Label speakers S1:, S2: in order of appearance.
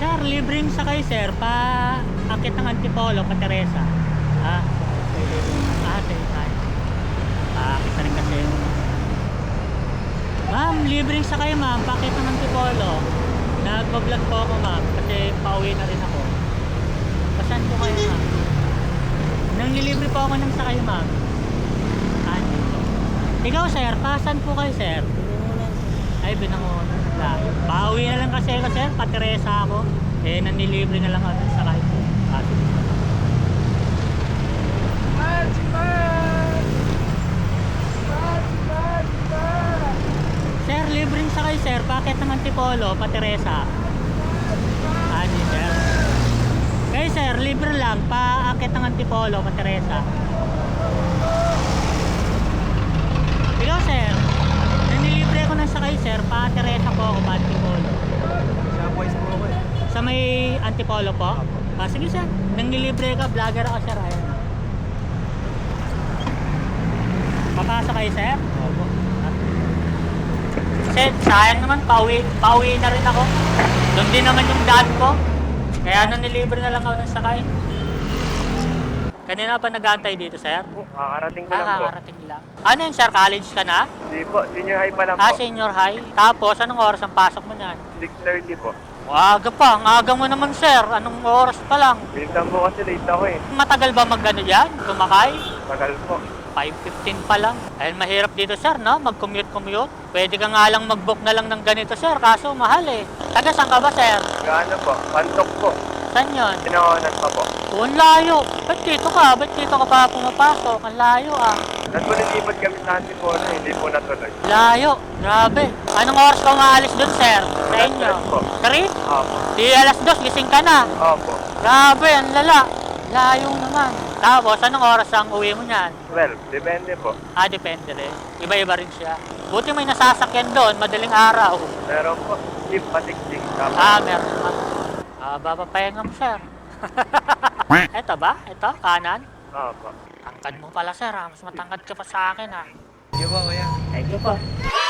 S1: Sir, libreng sakay sir, pa akit ng Antipolo, pa Teresa. Ah, sige tayo. Akit na rin kasi. Ma'am, libreng sakay ma'am, pa akit ng Antipolo. Nagpa-vlog po ako ma'am, kasi pauwi na rin ako. Pasan po kayo ma'am? Nanglilibre po ako ng sakay ma'am. Dito. Ikaw sir, pasan po kayo sir? Ay, binangonan. Pauwi na lang kasi ako sir, pa Teresa ako. Eh, nanilibre na lang ako ng sakay po. Sir, libreng sakay sir, packet ng Antipolo, pa Teresa. Sir. Kaya sir, libre lang, paakit ng Antipolo, pa Teresa. Ikaw sir, nanilibre ako ng sakay sir, pa Teresa po ako, pa Antipolo.
S2: Sa boys po ako eh.
S1: Sa may Antipolo po? Sige sir, nanglilibre ka, vlogger ako sir. Ayan. Papasok kayo sir?
S2: Opo.
S1: Kasi sayang naman, pauwi na rin ako. Doon din naman yung dad ko. Kaya nanilibre na lang ako ng sakay. Kanina pa nag-aantay dito sir?
S2: Kakarating ko lang po.
S1: Kakarating lang. Ano yun sir, college ka na?
S2: Hindi po, senior high pa lang po.
S1: Senior high. Tapos, anong oras ang pasok mo niyan?
S2: 6:30 po.
S1: Aga pa, ang aga mo naman sir. Anong oras pa lang?
S2: Minsan po kasi late ako eh.
S1: Matagal ba mag-ano dyan? Tumakay?
S2: Tagal po.
S1: 5:15 pa lang. Dahil mahirap dito sir, no? Mag-commute. Pwede ka nga lang mag-book na lang ng ganito sir, kaso mahal eh. Taga saan ka ba sir?
S2: Gaano po? Pantok po.
S1: Saan yun?
S2: Pinawanan pa po.
S1: Ang layo. Ba't dito ka? Ba't dito ka pa pumapasok? Ang layo ah.
S2: Nagpunilipad kami sa Antipolo, hindi po natuloy.
S1: Layo. Grabe. Anong oras ka umaalis dun sir? Sa
S2: Alas
S1: inyo?
S2: 3 po.
S1: 3?
S2: Opo.
S1: Di alas 2, gising ka na.
S2: Opo.
S1: Grabe, ang lala. Layo naman. Tapos, anong oras ang uwi mo niyan?
S2: 12, depende po.
S1: Depende rin. Iba-iba rin siya. Buti may nasasakyan doon, madaling araw.
S2: Meron po, jeep patiksik.
S1: Meron naman. Papapahinga mo, sir. Ito ba? Ito? Kanan?
S2: Opo.
S1: Tangkad mo pala, sir. Mas matangkad ka pa sa akin, ha?
S2: Sige po, kuya.
S1: Thank you po.